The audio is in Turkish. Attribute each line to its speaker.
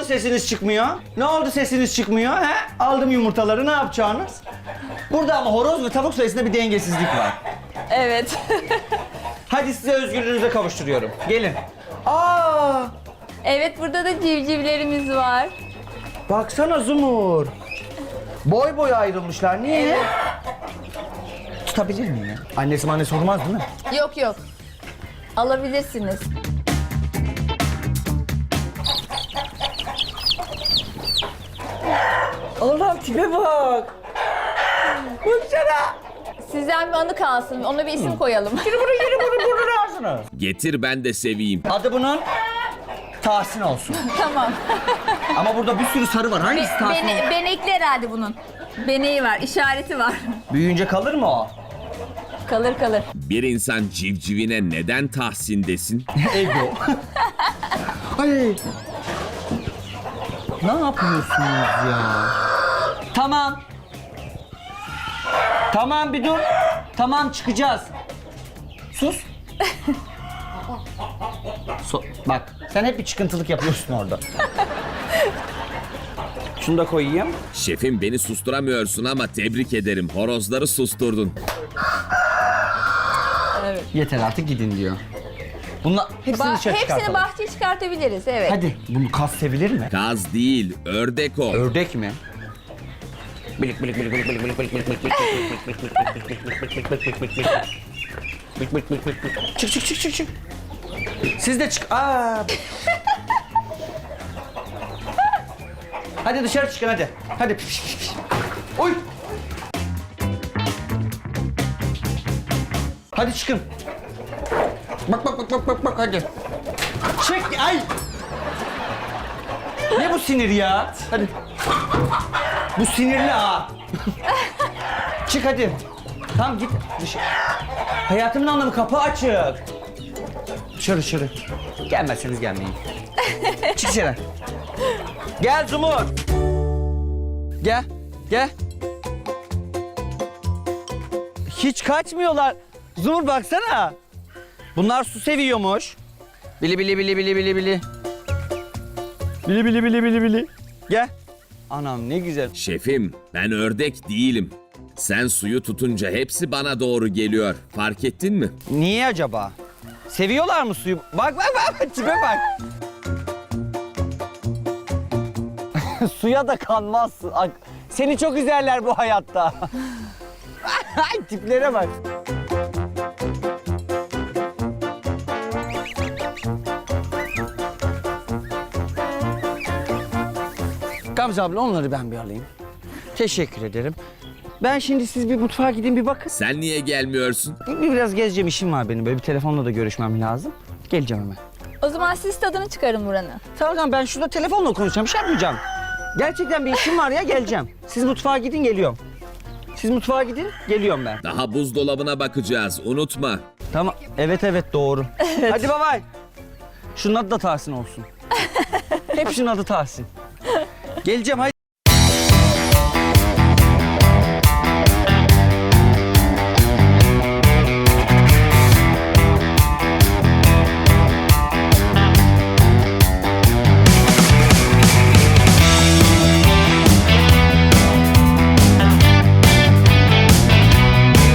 Speaker 1: sesiniz çıkmıyor? Ne oldu sesiniz çıkmıyor? He? Aldım yumurtaları, ne yapacaksınız? Burada ama horoz ve tavuk sayısında bir dengesizlik var.
Speaker 2: Evet.
Speaker 1: Hadi size özgürlüğünüze kavuşturuyorum. Gelin. Aa!
Speaker 2: Evet, burada da civcivlerimiz var.
Speaker 1: Baksana Zumur. Boy boy ayrılmışlar. Niye?
Speaker 2: Evet.
Speaker 1: Tutabilir miyim ya? Annesi sormaz değil mi?
Speaker 2: Yok yok. Alabilirsiniz.
Speaker 1: Allah'ım tipe bak. Baksana.
Speaker 2: Sizden bir anı kalsın. Ona bir isim koyalım.
Speaker 1: Yürü bunu ağzına.
Speaker 3: Getir ben de seveyim.
Speaker 1: Adı bunun Tahsin olsun.
Speaker 2: Tamam.
Speaker 1: Ama burada bir sürü sarı var. Hangisi Tahsin olsun?
Speaker 2: Benekli herhalde bunun. Beneği var, işareti var.
Speaker 1: Büyüyünce kalır mı o?
Speaker 2: Kalır kalır.
Speaker 3: Bir insan civcivine neden Tahsin desin?
Speaker 1: Ego. Ay. Ne yapıyorsunuz ya? Tamam. Tamam bir dur. Tamam çıkacağız. Sus. Bak sen hep bir çıkıntılık yapıyorsun orada. Şunu da koyayım.
Speaker 3: Şefim beni susturamıyorsun ama tebrik ederim. Horozları susturdun.
Speaker 1: Yeter artık gidin diyor. Bunlar hepsini dışarı
Speaker 2: Hepsini
Speaker 1: çıkartalım.
Speaker 2: bahçeye çıkartabiliriz, evet.
Speaker 1: Hadi bunu kas sevilir mi?
Speaker 3: Kaz değil, ördek o.
Speaker 1: Ördek mi? Çık. Siz de çık. Aa. Hadi dışarı çıkın hadi. Hadi. Oy. Hadi çıkın. Bak hadi. Çık ay. Ne bu sinir ya? Hadi. Bu sinirli ha. Çık hadi. Tamam git dışarı. Hayatımın anlamı kapı açık. Dışarı. Gelmezseniz gelmeyin. Çık dışarı. Gel Zumur. Gel. Hiç kaçmıyorlar. Zumur baksana. Bunlar su seviyormuş. Bili. Bili. Gel. Anam ne güzel.
Speaker 3: Şefim ben ördek değilim. Sen suyu tutunca hepsi bana doğru geliyor. Fark ettin mi?
Speaker 1: Niye acaba? Seviyorlar mı suyu? Bak tipe bak. Suya da kanmazsın. Seni çok üzerler bu hayatta. Tiplere bak. Gamze abla onları ben bir alayım. Teşekkür ederim. Ben şimdi siz bir mutfağa gidin bir bakın.
Speaker 3: Sen niye gelmiyorsun?
Speaker 1: Biraz gezeceğim, işim var benim. Böyle bir telefonla da görüşmem lazım. Geleceğim hemen.
Speaker 2: O zaman siz tadını çıkarın buranın.
Speaker 1: Tamam ben şurada telefonla konuşacağım. Bir şey yapmayacağım. Gerçekten bir işim var ya, geleceğim. Siz mutfağa gidin, geliyorum. Siz mutfağa gidin, geliyorum ben.
Speaker 3: Daha buzdolabına bakacağız, unutma.
Speaker 1: Tamam. Evet doğru. Hadi bay bay. Şunun adı da Tahsin olsun. Hep şunun adı Tahsin. Geleceğim hadi.